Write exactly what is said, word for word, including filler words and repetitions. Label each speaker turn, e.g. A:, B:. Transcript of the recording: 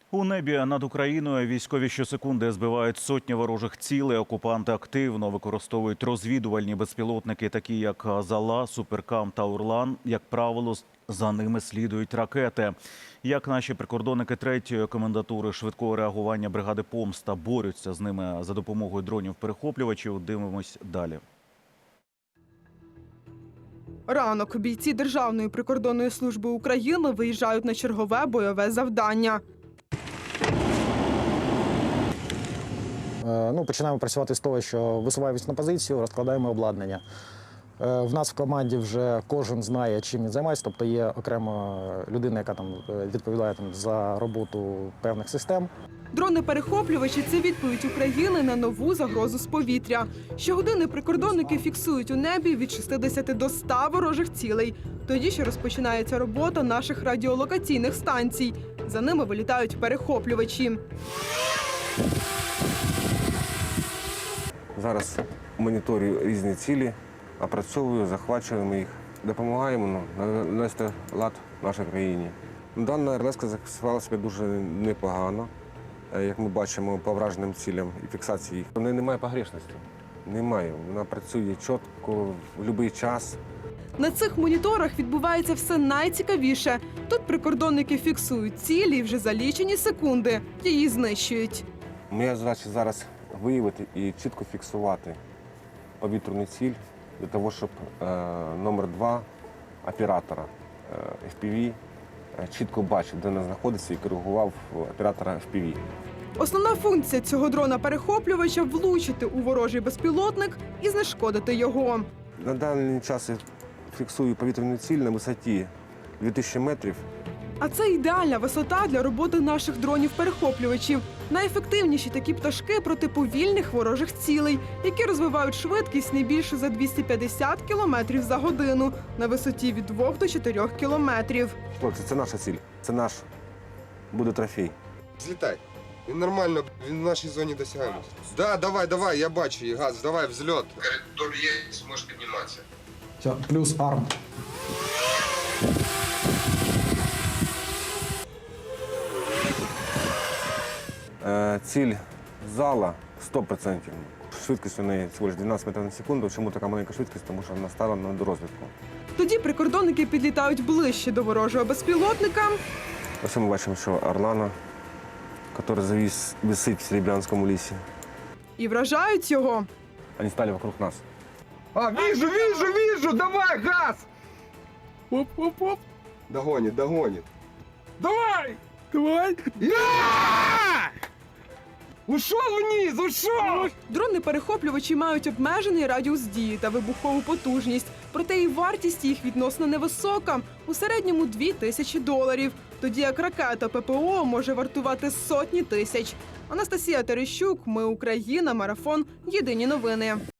A: У небі над Україною військові щосекунди збивають сотні ворожих цілей. Окупанти активно використовують розвідувальні безпілотники, такі як «Зала», «Суперкам» та «Орлан». Як правило, за ними слідують ракети. Як наші прикордонники третьої комендатури швидкого реагування бригади «Помста» борються з ними за допомогою дронів-перехоплювачів, дивимось далі.
B: Ранок. Бійці Державної прикордонної служби України виїжджають на чергове бойове завдання.
C: Ну, починаємо працювати з того, що висуваємось на позицію, розкладаємо обладнання. В нас в команді вже кожен знає, чим він займається, тобто є окрема людина, яка там відповідає там, за роботу певних систем.
B: Дрони-перехоплювачі – це відповідь України на нову загрозу з повітря. Щогодини прикордонники фіксують у небі від шістдесяти до ста ворожих цілей. Тоді ще розпочинається робота наших радіолокаційних станцій. За ними вилітають перехоплювачі.
D: Зараз моніторю різні цілі, опрацьовую, захвачуємо їх, допомагаємо навести лад в нашій країні. Дана РЛС зафіксувала себе дуже непогано, як ми бачимо по враженим цілям і фіксації їх. У неї немає погрешності, немає. Вона працює чітко, в будь-який час.
B: На цих моніторах відбувається все найцікавіше. Тут прикордонники фіксують цілі і вже за лічені секунди її знищують.
D: Моя задача зараз виявити і чітко фіксувати повітряну ціль для того, щоб е, номер два оператора е, еф пі ві е, чітко бачив, де вона знаходиться, і коригував оператора еф пі ві.
B: Основна функція цього дрона-перехоплювача – влучити у ворожий безпілотник і знешкодити його.
D: На даний час я фіксую повітряну ціль на висоті дві тисячі метрів.
B: А це ідеальна висота для роботи наших дронів-перехоплювачів. Найефективніші такі пташки проти повільних ворожих цілей, які розвивають швидкість не більше за двісті п'ятдесят кілометрів за годину на висоті від двох до чотирьох кілометрів.
D: Хлопці, це наша ціль, це наш буде трофей.
E: Злітай. Він нормально, він в нашій зоні досягаємості. Да, давай, давай, я бачу її, газ, давай, взльот. Коридор є, зможеш підніматися.
C: Все, плюс арм.
D: Ціль зала сто відсотків. Швидкість у неї всього лише дванадцять метрів на секунду. Чому така маленька швидкість? Тому що вона стала на дорозвідку.
B: Тоді прикордонники підлітають ближче до ворожого безпілотника.
D: Ось ми бачимо, що Орлана, який завис, висить в Серебрянському лісі.
B: І вражають його.
D: Вони стали вокруг нас.
E: А, вижу, вижу, вижу, давай, газ!
B: Оп-оп-оп.
E: Догонит, догонит.
B: Давай! Давай!
E: Ушел вниз, ушел!
B: Дрони-перехоплювачі мають обмежений радіус дії та вибухову потужність. Проте і вартість їх відносно невисока – у середньому дві тисячі доларів. Тоді як ракета ППО може вартувати сотні тисяч. Анастасія Терещук, Ми Україна, Марафон, Єдині новини.